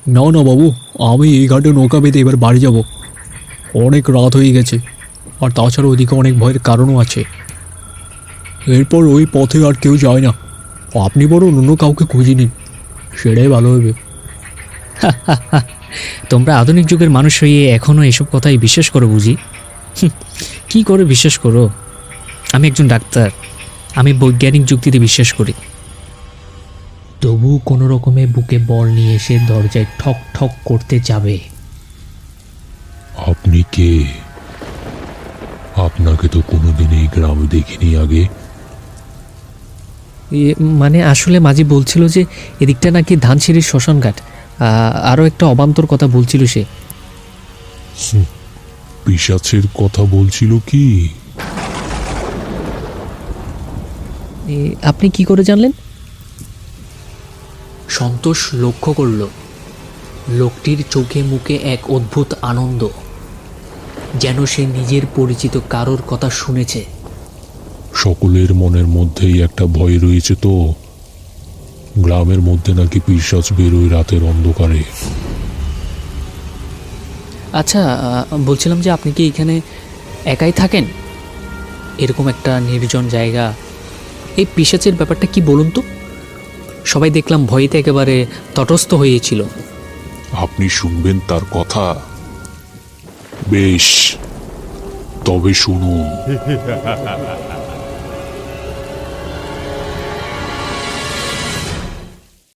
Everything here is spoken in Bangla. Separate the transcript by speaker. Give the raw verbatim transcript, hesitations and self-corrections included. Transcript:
Speaker 1: না না বাবু, আমি এই ঘাটে নৌকা বেঁধে এবার বাড়ি যাব। অনেক রাত হয়ে গেছে, আর তাছাড়া ওদিকে অনেক ভয়ের কারণও আছে। এরপর ওই পথে আর কেউ যায় না। আপনি বরং অন্য কাউকে খুঁজে নিন, সেটাই ভালো হবে।
Speaker 2: তোমরা আধুনিক যুগের মানুষ হয়ে এখনও এসব কথাই বিশ্বাস করো বুঝি? হুঁ, কি করে বিশ্বাস করো? আমি একজন ডাক্তার, আমি বৈজ্ঞানিক যুক্তিতে বিশ্বাস করি। তবু কোনো রকমে বুকে বল নিয়ে এসে দরজায় ঠক ঠক করতে যাবে।
Speaker 3: আপনি কে? আপনাকে তো কোনোদিন এই গ্রামে দেখিনি আগে।
Speaker 2: এ, মানে আসলে মাঝি বলছিল যে এদিকটা নাকি ধানসিঁড়ির শ্মশানঘাট, আরও একটা অবান্তর কথা বলছিল সে।
Speaker 3: পিশাচের কথা বলছিল কি?
Speaker 2: এ, আপনি কি করে জানলেন? সন্তোষ লক্ষ্য করল লোকটির চোখে মুখে এক অদ্ভুত আনন্দ, যেন সে নিজের পরিচিত কারোর কথা শুনেছে।
Speaker 3: সকলের মনের মধ্যেই একটা ভয় রয়েছে তো, গ্রামের মধ্যে নাকি পিশাচ বেরোয় রাতের অন্ধকারে।
Speaker 2: আচ্ছা, বলছিলাম যে আপনি কি এখানে একাই থাকেন? এরকম একটা নির্জন জায়গা, এই পিশাচের ব্যাপারটা কি বলুন তো? সবাই দেখলাম ভয়তে একেবারে তটস্থ হয়েছিল।
Speaker 3: আপনি শুনবেন তার কথা? বেশ, তবে শুনুন।